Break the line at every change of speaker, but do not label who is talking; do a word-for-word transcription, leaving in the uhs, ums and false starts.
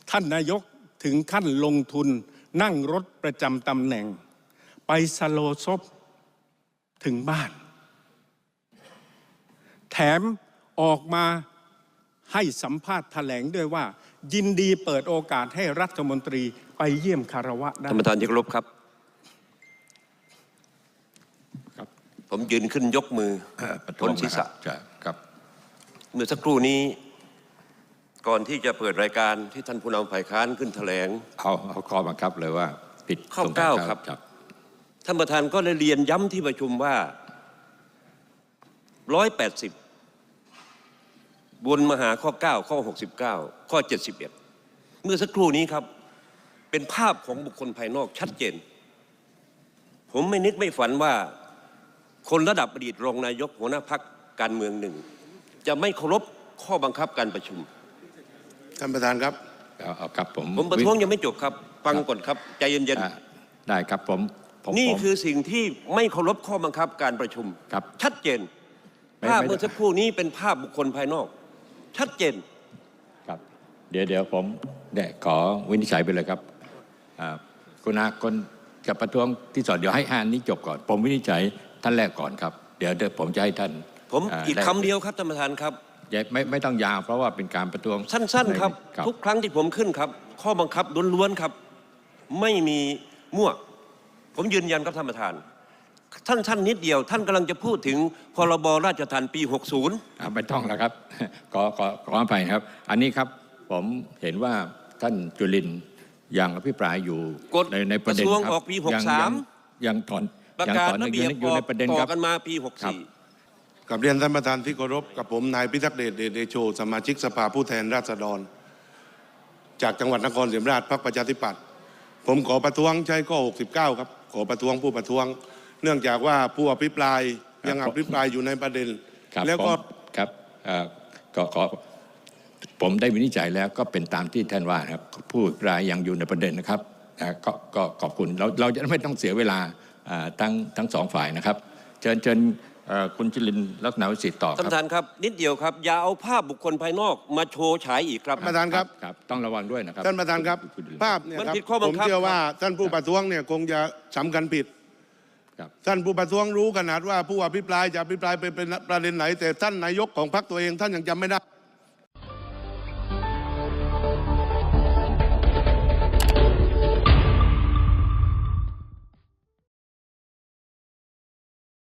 ท่านนายกถึงขั้นลงทุนนั่งรถประจำตำแหน่งไปสโลซบถึงบ้านแถมออกมาให้สัมภาษณ์แถลงด้วยว่ายินดีเปิดโอกาสให้รัฐมนตรีไปเยี่ยมคารวะได้
ท่านประธานที่เคารพครับครับผมยืนขึ้นยกมือพ้นศีรษะ
ครับ
เมื่อสักครู่นี้ก่อนที่จะเปิดรายการที่ท่านผู้นำฝ่ายค้านขึ้นแถลง
เอาเอาข้อบังคับเลยว่าผิด
ข้อเก้าครับท่านประธานก็เลยเรียนย้ำที่ประชุมว่าร้อยแปดสิบบนมาหาข้อเก้าข้อหกสิบเก้าข้อเจ็ดสิบเอ็ดเมื่อสักครู่นี้ครับเป็นภาพของบุคคลภายนอกชัดเจนผมไม่นึกไม่ฝันว่าคนระดับอดีตรองนายกหัวหน้าพรรคการเมืองหนึ่งจะไม่เคารพข้อบังคับการประชุม
ท่านประธานครับ
เอาครับผม
ผมประท้วงยังไม่จบครับฟังก่อนครับใจเย็น
ๆได้ครับผม
นี่คือสิ่งที่ไม่เคารพข้อบังคับการประชุม
ครับ
ชัดเจนภาพเมื่อสักครู่นี้เป็นภาพบุคคลภายนอกชัดเจน
ครับเดี๋ยวเดี๋ยวผมได้ขอวินิจฉัยไปเลยครับคุณอาคนกับประท้วงที่สอนเดี๋ยวให้อ่านนี้จบก่อนผมวินิจฉัยท่านแรกก่อนครับเดี๋ยวเดี๋ยวผมจะให้ท่าน
ผมอีกคำเดียวครับท่านประธานครับ
ไม่ไม่ต้องยาวเพราะว่าเป็นการประท้วง
สั้นๆครับทุกครั้งที่ผมขึ้นครับข้อบังคับล้วนๆครับไม่มีมั่วผมยืนยันครับท่านประธานท่านท่านนิดเดียวท่านกำลังจะพูดถึงพรบราชทัณฑ์ปีหกสิบ
ไม่ต้องแล้วครับขอขอขออภัยครับอันนี้ครับผมเห็นว่าท่านจุลินยังอภิปรายอยู่
ในในประเด็นครับออกปีหกสิบสาม
ยังถอน
ประกาศระเบียบอยู่ในประเด็นครับกันมาปีหกสิบสี่
กับเรียนท่านประธานที่เคารพกับผมนายพิทักษ์เดชเดโชสมาชิกสภาผู้แทนราษฎรจากจังหวัดนครศรีธรรมราชพรรคประชาธิปัตย์ผมขอประท้วงใช้ข้อหกสิบเก้าครับขอประท้วงผู้ประท้วงเนื่องจากว่าผู้อภิปรายยังอภิปรายอยู่ในประเด็น
แล้วก็ครับก็ขอผมได้วินิจฉัยแล้วก็เป็นตามที่ท่านว่าครับผู้อภิปรายยังอยู่ในประเด็นนะครับก็ก็ขอบคุณเราเราจะไม่ต้องเสียเวลาทั้งทั้งสองฝ่ายนะครับเชิญเชิญคุณจุลินลักษณะวิสิทธิ์ต่อครับ
ท่านประธานครับนิดเดียวครับอย่าเอาภาพบุคคลภายนอกมาโชว์ฉายอีกครับ
ท่านประธานครับ
ครับต้องระวังด้วยนะครับ
ท่านประธานครับภาพเนี่ยครับผมเชื่อว่าท่านผู้ประท้วงเนี่ยคงจะสำคัญผิดท่านผู้ประท้วงรู้ขนาดว่าผู้อภิปรายจะอภิปรายไปเป็นประเด็นไหนแต่ท่านนายกของพรรคตัวเองท่านยังจำไม่ได้